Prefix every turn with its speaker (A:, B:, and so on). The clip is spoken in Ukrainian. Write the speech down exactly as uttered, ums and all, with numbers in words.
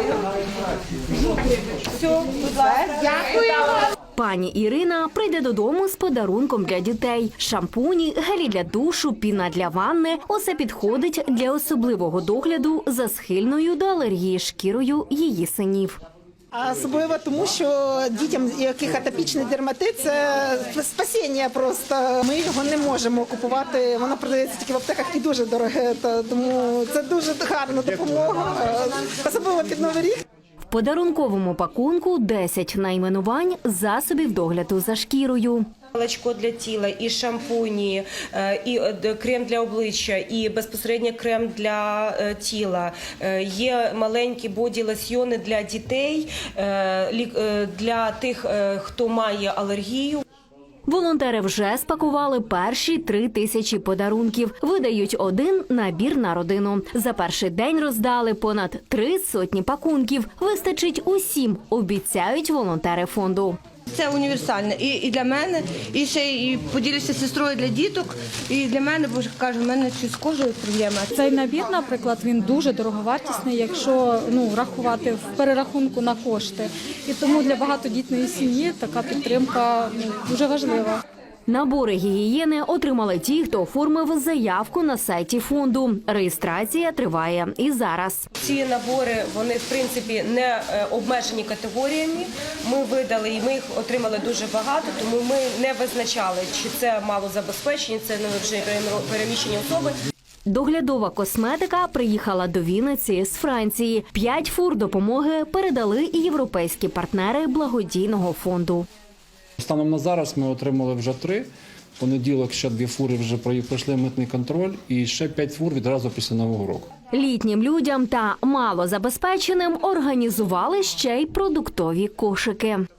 A: Все, будь ласка. Дякую.
B: Пані Ірина прийде додому з подарунком для дітей. Шампуні, гелі для душу, піна для ванни – усе підходить для особливого догляду за схильною до алергії шкірою її синів.
C: Особливо тому, що дітям, у яких атопічний дерматит, це спасіння просто. Ми його не можемо купувати, воно продається тільки в аптеках і дуже дороге, тому це дуже гарна допомога, особливо під Новий рік.
B: В подарунковому пакунку десять найменувань засобів догляду за шкірою.
A: Молочко для тіла, і шампуні, і крем для обличчя, і безпосередньо крем для тіла. Є маленькі боді-лосьйони для дітей, для тих, хто має алергію.
B: Волонтери вже спакували перші три тисячі подарунків. Видають один набір на родину. За перший день роздали понад три сотні пакунків. Вистачить усім, обіцяють волонтери фонду.
D: Це універсальне і, і для мене, і ще і поділюся з сестрою для діток, і для мене, бо кажу, в мене з кожою проблема.
E: Цей набір, наприклад, він дуже дороговартісний, якщо ну, рахувати в перерахунку на кошти. І тому для багатодітної сім'ї така підтримка ну, дуже важлива.
B: Набори гігієни отримали ті, хто оформив заявку на сайті фонду. Реєстрація триває і зараз.
A: Ці набори, вони в принципі не обмежені категоріями. Ми видали і ми їх отримали дуже багато, тому ми не визначали, чи це малозабезпечені, це вже переміщені особи.
B: Доглядова косметика приїхала до Вінниці з Франції. П'ять фур допомоги передали і європейські партнери благодійного фонду.
F: Станом на зараз ми отримали вже три. В понеділок ще дві фури вже пройшли митний контроль і ще п'ять фур відразу після Нового року.
B: Літнім людям та малозабезпеченим організували ще й продуктові кошики.